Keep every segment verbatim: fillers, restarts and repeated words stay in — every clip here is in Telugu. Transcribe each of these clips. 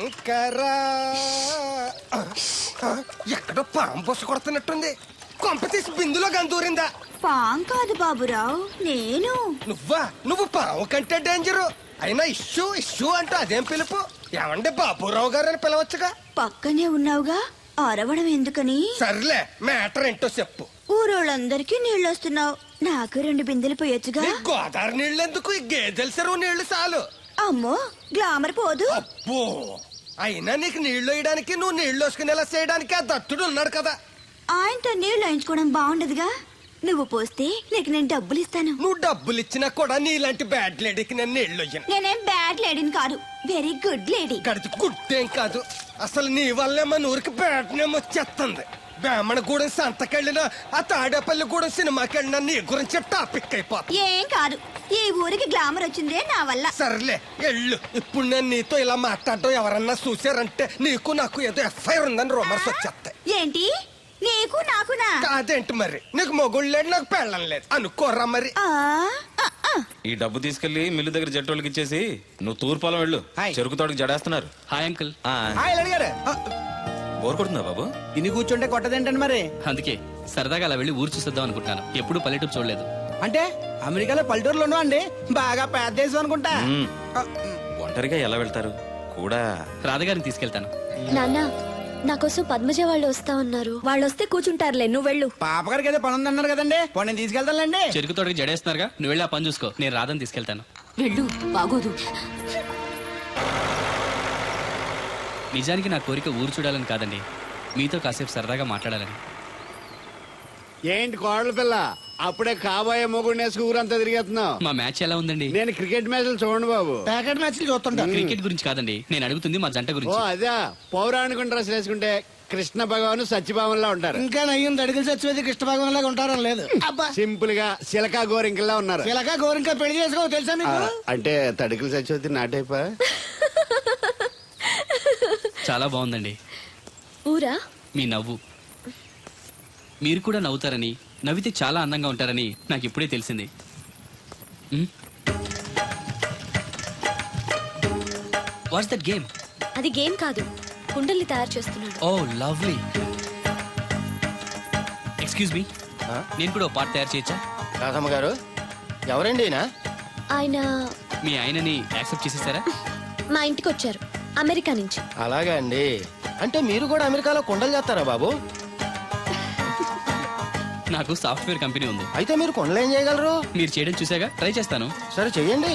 శంకర ఎక్కడో పాము బొస్సు కొడుతున్నట్టుంది. కొంప తీసి బిందులో గందూరిందా? పాం కాదు బాబురావు, నేను. నువ్వా? నువ్వు పాము కంటే డేంజరు. అయినా ఇష్యూ ఇష్యూ అంటూ అదేం పిలుపు? ఏమండి బాబురావు గారు అని పిలవచ్చుగా. పక్కనే ఉన్నావుగా, అరవడం ఎందుకని? సర్లే, మ్యాటర్ ఏంటో చెప్పు. ఊరోళ్ళందరికీ నీళ్ళు వస్తున్నావు, నాకు రెండు బిందెలు పోయొచ్చుగా. నీ గోదావరి నీళ్ళు ఎందుకు? ఈ గేదెల చెరువు నీళ్లు చాలు. అమ్మో, గ్లామర్ పోదు. అబ్బో, అయినా నీకు నీళ్లు వేయడానికి, నువ్వు నీళ్లు వేసుకునేలా చేయడానికి ఆ దత్తుడు ఉన్నాడు కదా. ఆయనతో నీళ్లు వేయించుకోవడం బాగుండదుగా. నువ్వు పోస్తే నీకు నేను డబ్బులు ఇస్తాను. నువ్వు డబ్బులు ఇచ్చినా కూడా నీలాంటి బ్యాడ్ లేడీకి నేను నీళ్లు వేయను. నేనేం బ్యాడ్ లేడీని కాదు, వెరీ గుడ్ లేడీ. గడిచి గుడ్డేం కాదు. అసలు నీ వల్లే మన ఊరికి బ్యాడ్ నేమ్ వచ్చేస్తుంది. బ్రాహ్మణగూడెం సంతకెళ్ళినా, ఆ తాడేపల్లిగూడెం సినిమాకెళ్ళినా నీ గురించి టాపిక్ అయిపోతుంది. ఏం కాదు, ఈ ఊరికి గ్లామర్ వచ్చిందే నా వల్ల. సర్లే ఎళ్ళు. ఇప్పుడు నేను నీతో ఇలా మాట్లాడటం ఎవరన్నా చూసారంటే నీకు నాకు ఏదో ఎఫ్ఐఆర్ ఉందని రూమర్స్ వచ్చేస్తాయి. ఏంటి? నీకు నాకునా? కాదేంటి మరి? నీకు మొగుళ్ళు లేడు, నాకు పెళ్ళం లేదు అనుకోరా మరి. ఆ, ఆ, ఆ. ఈ డబ్బు తీసుకెళ్లి మిల్లు దగ్గర జట్టోళ్ళకి ఇచ్చేసి నువ్వు తూర్పాలం వెళ్ళు. చెరుకు తోటకి జడేస్తున్నారు. Hi uncle. బోర్ కొడుతుందా బాబు? ఇన్ని కూర్చుంటే కొట్టదేంటండి మరి? అందుకే సరదాగా అలా వెళ్ళి ఊరు చూసేద్దాం అనుకుంటున్నాను. ఎప్పుడు పల్లెటూరు చూడలేదు. అంటే అమెరికాలో పల్లెటూరులోనూ అండి బాగా పెద్ద దేశం అనుకుంటా. మ్మ్. ఒంటరిగా ఎలా వెళ్తారు? కూడా రాధగారిని తీసుకెళ్తాను. నాన్న, నా కోసం పద్మజ వాళ్ళు వస్తా ఉన్నారు. వాళ్ళు వస్తే కూర్చుంటారులే, నువ్వు వెళ్ళు. పాపగారికి ఏదో పని ఉందన్నారు కదండి, పోనీ నేను తీసుకెళ్తానులేండి. చెరుకు తోటకి జడేస్తున్నారుగా, నువ్వు వెళ్ళి ఆ పని చూసుకో. నేను రాధని తీసుకెళ్తాను. వెళ్ళు, బాగోదు. నిజానికి నా కోరిక ఊరు చూడాలని కాదండి, మీతో కాసేపు సరదాగా మాట్లాడాలని. ఏంటి కోడల పిల్ల, అప్పుడే కాబోయే మొగుడు నేసుకు ఊరంతా తిరిగేస్తున్నావు? మా మ్యాచ్ ఎలా ఉందండి? నేను క్రికెట్ మ్యాచ్లు చూడండి బాబు. ప్యాకెట్ మ్యాచ్ చూస్తుంటా. క్రికెట్ గురించి కాదండి, నేను అడుగుతుంది మా జంట ఓ గురించి. అదే, పౌరాణిక డ్రెస్ వేసుకుంటే కృష్ణ భగవాన్ సత్యభావంలా ఉంటారు. ఇంకా నయ్యం అడిగిన చచ్చిపోతే కృష్ణ భాగం లాగా ఉంటారని లేదు. అబ్బా, సింపుల్ గా సిలకా గోరింకల్లా ఉన్నారు. ఇలాగా గోరింకా పెళ్లి చేసుకో తెలుసా ఆ, మీకు? అంటే తడికలు చచ్చిపోతే నాటైపా. చాలా బాగుందండి. ఊరా? మీ నవ్వు. మీరు కూడా నవ్వుతారని, నవ్వితే చాలా అందంగా ఉంటారని నాకు ఇప్పుడే తెలిసింది. What's that game? అది గేమ్ కాదు, కుండల్ని తయారు చేస్తున్నాడు. Oh lovely. ఎక్స్క్యూజ్ మీ, నేను కూడా పార్ట్ తయారు చేయొచ్చా? రాధమ్మ గారు, ఎవరండి? ఆయన మీ ఆయనని యాక్సెప్ట్ చేసేసారా? మా ఇంటికి వచ్చారు అమెరికా నుంచి. అలాగా అండి. అంటే మీరు కూడా అమెరికాలో కొండలు చేస్తారా బాబు? నాకు సాఫ్ట్వేర్ కంపెనీ ఉంది. అయితే మీరు కొండలు ఏం చేయగలరు? మీరు చేయడం చూసాగా, ట్రై చేస్తాను. సరే చెయ్యండి.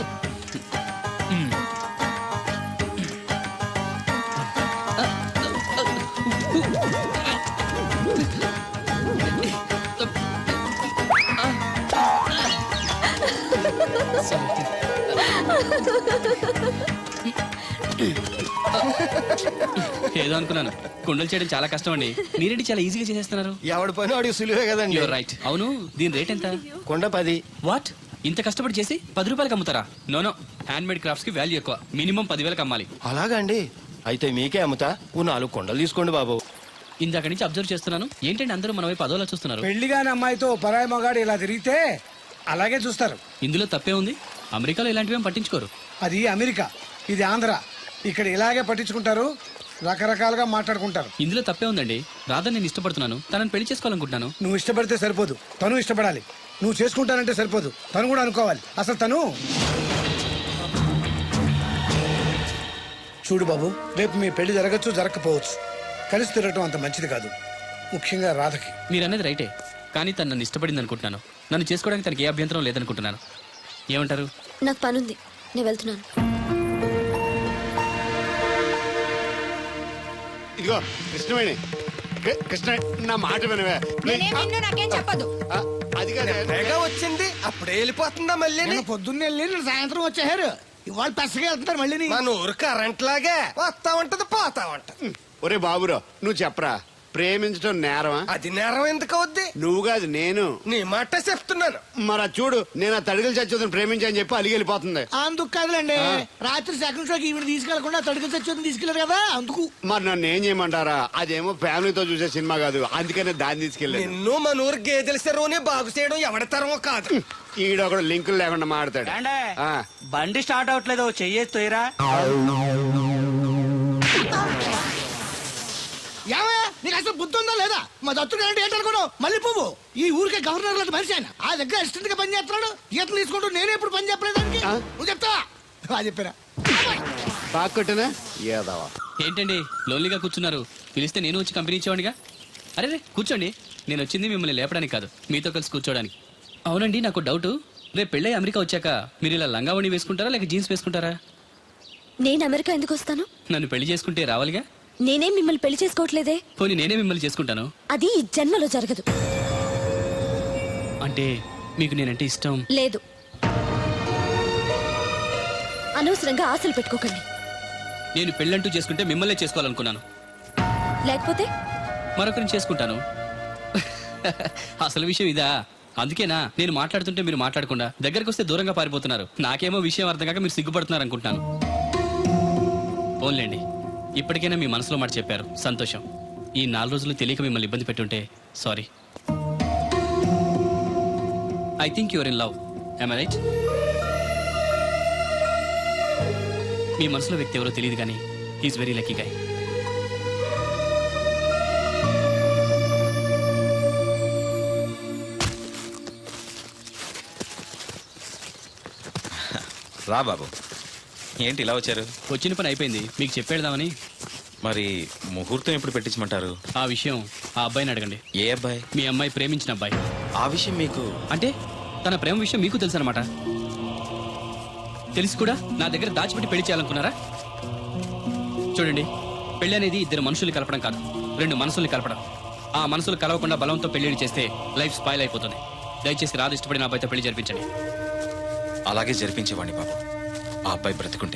ఏదో అనుకున్నాను. కుండలు చేయడం చాలా కష్టం అండి, మీరేంటి చాలా ఈజీగా చేసేస్తున్నారు. ఎవడి పని వాడికి సులువే కదండి. You're right. అవును, దీని రేట్ ఎంత? కొండ పది. వాట్? ఇంత కష్టపడి చేసి పది రూపాయలకి అమ్ముతారా? నోనో, హ్యాండ్ మేడ్ క్రాఫ్ట్స్ కి వాల్యూ ఎక్కువ. మినిమం పదివేలకు అమ్మాలి. అలాగా అండి. అయితే మీకే అమ్ముతా. ఓ నాలుగు కొండలు తీసుకోండి బాబు. ఇందాక నుంచి అబ్జర్వ్ చేస్తున్నాను, ఏంటంటే అందరూ మన వైపు అదోలా చూస్తున్నారు. పెళ్లిగాని అమ్మాయితో పరాయి మగాడు ఇలా తిరిగితే అలాగే చూస్తారు. ఇందులో తప్పే ఉంది. అమెరికాలో ఇలాంటివి పట్టించుకోరు. అది అమెరికా, ఇది ఆంధ్ర. ఇక్కడ ఇలాగే పట్టించుకుంటారు, రకరకాలుగా మాట్లాడుకుంటారు. ఇందులో తప్పే ఉందండి. రాధా నేను ఇష్టపడుతున్నాను, తనని పెళ్లి చేసుకోవాలనుకుంటున్నాను. నువ్వు ఇష్టపడితే సరిపోదు, తను ఇష్టపడాలి. నువ్వు చేసుకుంటానంటే సరిపోదు, తను కూడా అనుకోవాలి. అసలు తను చూడు బాబు, రేపు మీ పెళ్లి జరగచ్చు, జరగకపోవచ్చు. కలిసి తిరగటం అంత మంచిది కాదు, ముఖ్యంగా రాధకి. మీరు అనేది రైటే, కానీ తను నన్ను ఇష్టపడింది అనుకుంటున్నాను. నన్ను చేసుకోవడానికి తనకి ఏ అభ్యంతరం లేదనుకుంటున్నాను. ఏమంటారు? నాకు పనుంది, నేను వెళ్తున్నాను. ఇదిగో కృష్ణవేణి, కృ- కృష్ణ నా మాట వినవే. నాకేం చెప్పదు. ఆ, అది కాదు. తెగ వచ్చింది, అప్పుడే వెళ్ళిపోతుందా మళ్ళీ? నేను పొద్దున్నే వెళ్ళి నేను సాయంత్రం వచ్చేసారు. ఇవాళ పెసగా వెళ్తున్నారు మళ్ళీ. మన ఊరు కరెంట్ లాగే వస్తా ఉంటది, పోతా ఉంటది. ఒరే బాబురో, నువ్వు చెప్పరా, ప్రేమించడం నేరమా? అది నేరం ఎందుకు అవుద్ది? నువ్వు కాదు నేను. నీ మాట చెప్తున్నాను. మరి అది చూడు, నేను ఆ తడికలు చచ్చిపోతుంది ప్రేమించని చెప్పి అలిగి వెళ్ళిపోతుంది. అందుకు కాదులేండి, రాత్రి సెకండ్ షోకి ఈవిడ తీసుకెళ్లకుండా తడుగు చచ్చి తీసుకెళ్లారు కదా, అందుకు. మరి నన్ను ఏం చేయమంటారా? అదేమో ఫ్యామిలీతో చూసే సినిమా కాదు, అందుకనే దాన్ని తీసుకెళ్ళాను. నిన్ను మన ఊరు గేదెల చెరువుని బాగు చేయడం ఎవరి తరమో కాదు. ఈడొకడు లింకులు లేకుండా మాడతాడు. బండి స్టార్ట్ అవట్లేదు, చెయ్యేసి తోయరా. అసలు బుద్ధి ఉందా లేదా? మా దత్తుడు అంటే ఏంటనుకోను మళ్ళీ పువ్వు. ఈ ఊరికే గవర్నర్ లాంటి మనిషి ఆయన. ఆ దగ్గర అసిస్టెంట్ గా పని చేస్తున్నాడు. ఈతలు తీసుకుంటూ నేనే ఇప్పుడు పని చెప్పలేదు దానికి. ఆ? నువ్వు చెప్తావా? అది చెప్పారా? బాగా కొట్టినా ఏదవా ఏంటండి లోన్లీగా కూర్చున్నారు? పిలిస్తే నేను వచ్చి కంపెనీ ఇచ్చేవాడిగా. అరే రే కూర్చోండి. నేను వచ్చింది మిమ్మల్ని లేపడానికి కాదు, మీతో కలిసి కూర్చోడానికి. అవునండి, నాకు డౌట్. రేపు పెళ్ళై అమెరికా వచ్చాక మీరు ఇలా లంగావణి వేసుకుంటారా లేక జీన్స్ వేసుకుంటారా? నేను అమెరికా ఎందుకు వస్తాను? నన్ను పెళ్లి చేసుకుంటే రావాలిగా. నేనేం మిమ్మల్ని పెళ్లి చేసుకోవట్లేదే. పోనీ నేనే మిమ్మల్ని చేసుకుంటాను. అది ఈ జన్మలో జరగదు. అంటే మీకు నేనంటే ఇష్టం లేదు. అనవసరంగా ఆశలు పెట్టుకోకండి. నేను పెళ్ళంటూ చేసుకుంటే మిమ్మల్నే చేసుకోవాలనుకున్నాను. లేకపోతే మరొకరిని చేసుకుంటాను. అసలు విషయం ఇదా? అందుకేనా నేను మాట్లాడుతుంటే మీరు మాట్లాడకుండా దగ్గరకు వస్తే దూరంగా పారిపోతున్నారు. నాకేమో విషయం అర్థం కాక మీరు సిగ్గుపడుతున్నారు అనుకుంటున్నాను. పోన్లేండి, ఇప్పటికైనా మీ మనసులో మాట చెప్పారు, సంతోషం. ఈ నాలుగు రోజులు తెలియక మిమ్మల్ని ఇబ్బంది పెట్టుంటే sorry. I think your in love. I right? మీ మనసులో వ్యక్తి ఎవరో తెలియదు కానీ హీఈస్ వెరీ లక్కీ గాయ్. రా బాబు, ఏంటి ఇలా వచ్చారు? వచ్చిన పని అయిపోయింది, మీకు చెప్పేద్దామని. మరి ముహూర్తం ఎప్పుడు పెట్టించమంటారు? ఆ విషయం ఆ అబ్బాయిని అడగండి. ఏ అబ్బాయి? మీ అమ్మాయి ప్రేమించిన అబ్బాయి. ఆ విషయం మీకు అంటే తన ప్రేమ విషయం మీకు తెలుసు అనమాట. తెలిసి కూడా నా దగ్గర దాచిపెట్టి పెళ్లి చేయాలనుకున్నారా? చూడండి, పెళ్లి అనేది ఇద్దరు మనుషుల్ని కలపడం కాదు, రెండు మనసుల్ని కలపడం. ఆ మనసులు కలవకుండా బలంతో పెళ్లి చేస్తే లైఫ్ స్పాయిల్ అయిపోతుంది. దయచేసి రాదు ఇష్టపడిన అబ్బాయితో పెళ్లి జరిపించండి. అలాగే జరిపించేవాడిని బాబు, ఆ అబ్బాయి బ్రతికుంటే.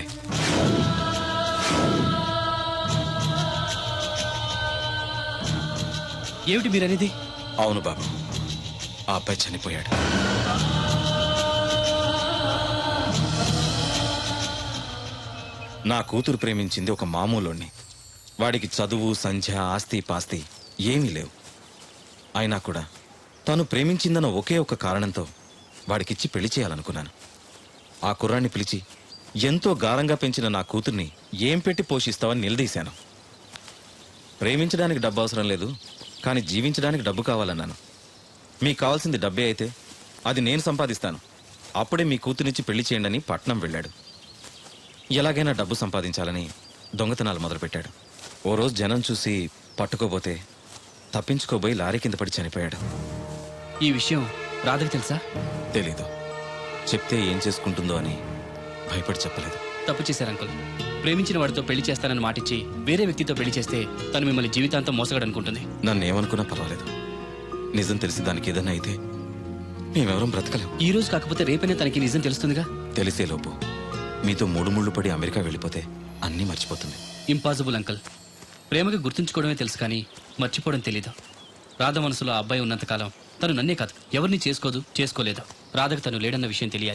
ఏమిటి మీరనేది? అవును బాబు, ఆ అబ్బాయి చనిపోయాడు. నా కూతురు ప్రేమించింది ఒక మామూలోని. వాడికి చదువు, సంధ్య, ఆస్తి పాస్తి ఏమీ లేవు. అయినా కూడా తను ప్రేమించిందన్న ఒకే ఒక కారణంతో వాడికిచ్చి పెళ్లి చేయాలనుకున్నాను. ఆ కుర్రాన్ని పిలిచి ఎంతో గారంగా పెంచిన నా కూతుర్ని ఏం పెట్టి పోషిస్తావని నిలదీశాను. ప్రేమించడానికి డబ్బు అవసరం లేదు, కానీ జీవించడానికి డబ్బు కావాలన్నాను. మీకు కావాల్సింది డబ్బే అయితే అది నేను సంపాదిస్తాను, అప్పుడే మీ కూతురినిచ్చి పెళ్లి చేయండి అని పట్నం వెళ్ళాడు. ఎలాగైనా డబ్బు సంపాదించాలని దొంగతనాలు మొదలుపెట్టాడు. ఓ రోజు జనం చూసి పట్టుకోబోతే తప్పించుకోబోయి లారీ కింద పడి చనిపోయాడు. ఈ విషయం రాధకి తెలుసా? తెలీదు. చెప్తే ఏం చేసుకుంటుందో అని భయపడి చెప్పలేదు. తప్పు చేశారు అంకుల్. ప్రేమించిన వాడితో పెళ్లి చేస్తానని మాటిచ్చి వేరే వ్యక్తితో పెళ్లి చేస్తే తను మిమ్మల్ని జీవితాంతం మోసగడనుకుంటుంది. నన్ను ఏమనుకున్నా పర్వాలేదు, నిజం తెలిసి దానికి ఏదైనా అయితే మేమెవరం బ్రతకలేం. ఈ రోజు కాకపోతే రేపైనా తనకి నిజం తెలుస్తుందిగా. తెలిసేలోపు మీతో మూడు ముళ్ళు పడి అమెరికా వెళ్ళిపోతే అన్నీ మర్చిపోతుంది. Impossible uncle. ప్రేమకి గుర్తుంచుకోవడమే తెలుసు కానీ మర్చిపోవడం తెలీదు. రాధ మనసులో ఆ అబ్బాయి ఉన్నంతకాలం తను నన్నే కాదు ఎవరిని చేసుకోదు, చేసుకోలేదు. రాధకు తను లేడన్న విషయం తెలియాలి.